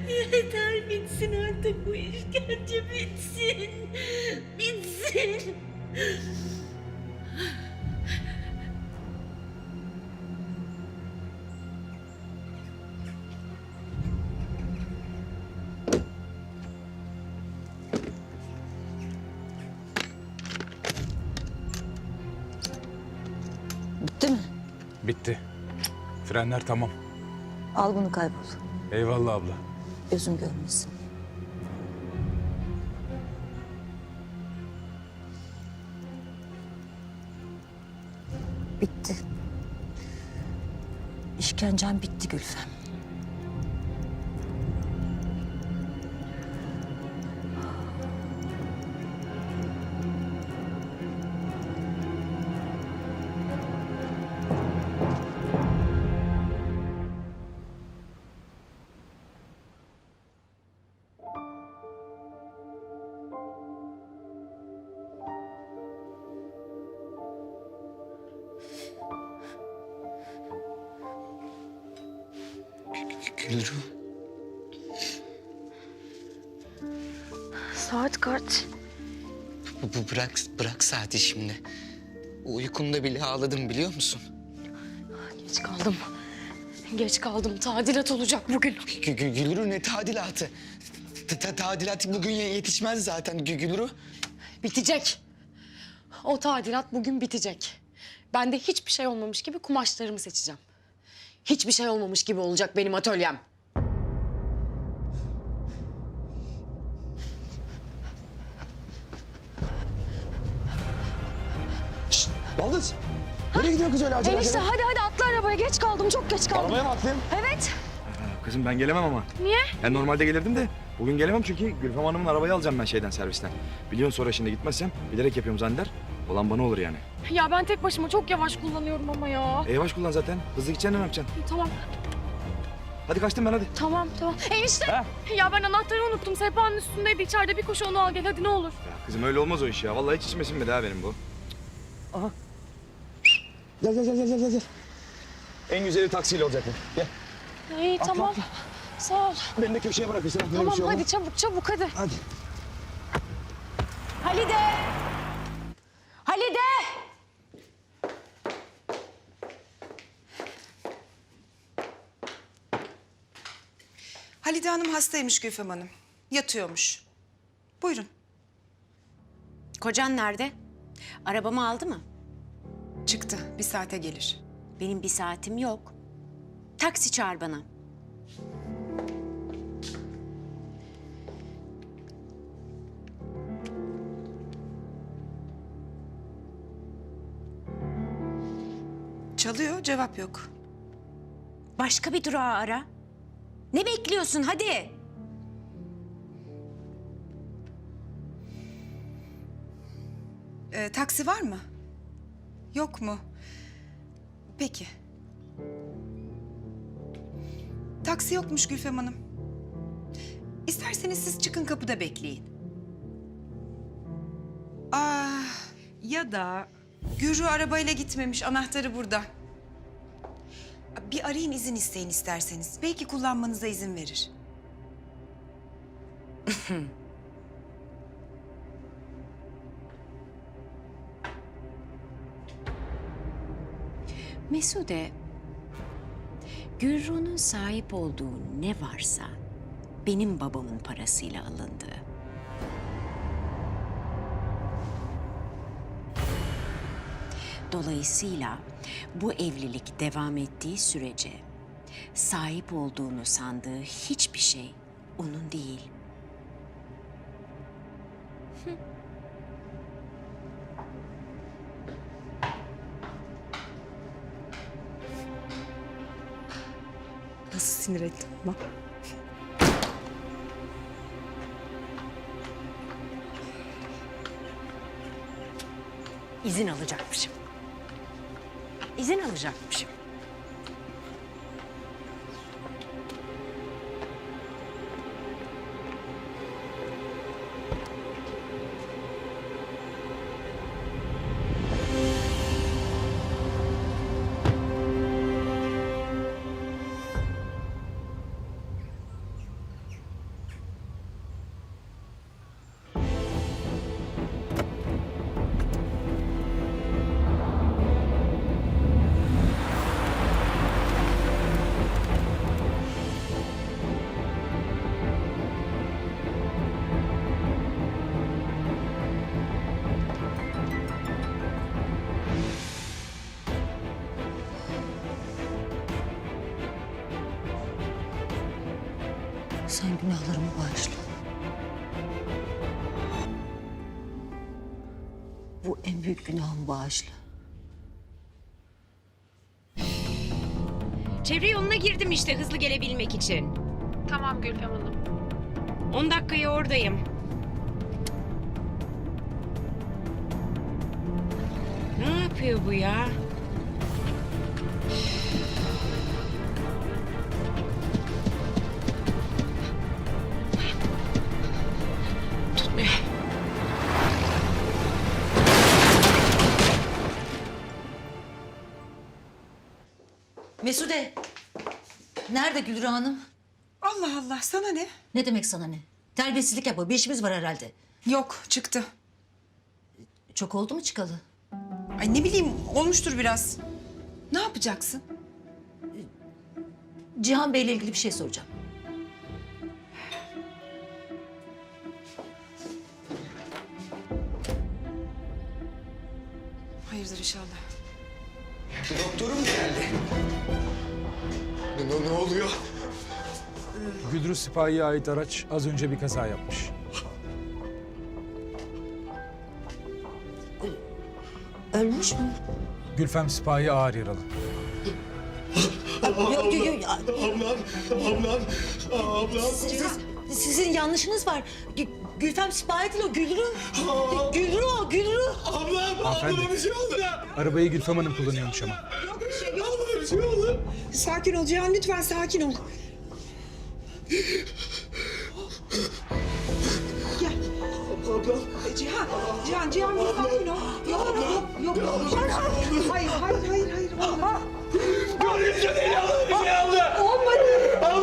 Yeter bitsin artık bu işkence bitsin. Bitsin. Bitti mi? Bitti. Frenler tamam. Al bunu kaybol. Eyvallah abla. Gözüm görmesin. Bitti. İşkencem bitti Gülfem. Gülru. Saat kaç? Bırak saati şimdi. Uykumda bile ağladım biliyor musun? Geç kaldım. Geç kaldım. Tadilat olacak bugün. Gülru ne tadilatı? Tadilat bugün yetişmez zaten Gülru. Bitecek. O tadilat bugün bitecek. Ben de hiçbir şey olmamış gibi kumaşlarımı seçeceğim. Hiçbir şey olmamış gibi olacak benim atölyem. Baldız, nereye gidiyor kız öyle acele Enişte hadi atla arabaya. Geç kaldım. Çok geç kaldım. Arabaya mı atlayayım? Evet. Kızım ben gelemem ama. Niye? Ben normalde gelirdim de bugün gelemem çünkü Gülfem Hanım'ın arabayı alacağım ben servisten. Biliyorsun sonra şimdi gitmezsem bilerek yapıyorum zanneder. Olan bana olur yani. Ya ben tek başıma çok yavaş kullanıyorum ama ya. Yavaş kullan zaten. Hızlı gideceksin ne yapacaksın? Tamam. Hadi kaçtım ben hadi. Tamam. Enişte. Ya ben anahtarı unuttum. Sehpanın üstündeydi. İçeride bir koşu onu al gel. Hadi ne olur. Ya kızım öyle olmaz o iş ya. Vallahi hiç içime sinmedi ha benim bu. Aha. Gel. En güzeli taksiyle olacak bu. Gel. İyi tamam. Sağ ol. Beni de köşeye bırakırsın. Tamam hadi çabuk hadi. Hadi. Halide! Halide! Halide Hanım hastaymış Gülfem Hanım. Yatıyormuş. Buyurun. Kocan nerede? Arabamı aldı mı? Çıktı. Bir saate gelir. Benim bir saatim yok. Taksi çağır bana. Çalıyor, cevap yok. Başka bir durağı ara. Ne bekliyorsun hadi? Taksi var mı? Yok mu? Peki. Taksi yokmuş Gülfem Hanım. İsterseniz siz çıkın kapıda bekleyin. Ya da Gürü arabayla gitmemiş, anahtarı burada. Bir arayın izin isteyin isterseniz. Belki kullanmanıza izin verir. Mesude, Gürru'nun sahip olduğu ne varsa benim babamın parasıyla alındı. Dolayısıyla bu evlilik devam ettiği sürece sahip olduğunu sandığı hiçbir şey onun değil. Nasıl sinir ettim ama. İzin alacakmışım. İzin alacakmışım. Sen günahlarımı bağışla. Bu en büyük günahımı bağışla. Çevre yoluna girdim işte hızlı gelebilmek için. Tamam Gülfem Hanım. 10 dakikaya oradayım. Ne yapıyor bu ya? Tutmuyor. Mesude! Nerede Gülru Hanım? Allah Allah, sana ne? Ne demek sana ne? Terbiyesizlik yapma. Bir işimiz var herhalde. Yok, çıktı. Çok oldu mu çıkalı? Ay ne bileyim, olmuştur biraz. Ne yapacaksın? Cihan Bey'le ilgili bir şey soracağım. Hayırdır inşallah. Doktorum geldi. Ne oluyor? Güdrü Sipahi'ye ait araç az önce bir kaza yapmış. Ölmüş mü? Gülfem Sipahi ağır yaralı. Yok. Ablam. Sizin yanlışınız var. Gülfem Sipahi değil o, Gülru. Gülru o, Gülru. Hanımefendi. Bir şey oldu. Arabayı Gülfem Hanım kullanıyormuş ama. Bir şey oldu. Sakin ol Cihan, lütfen sakin ol. Gel. Ablam. Cihan bir sakin ol. Yok. Hayır. Görünce deli oldu. Bir şey oldu. Olmadı.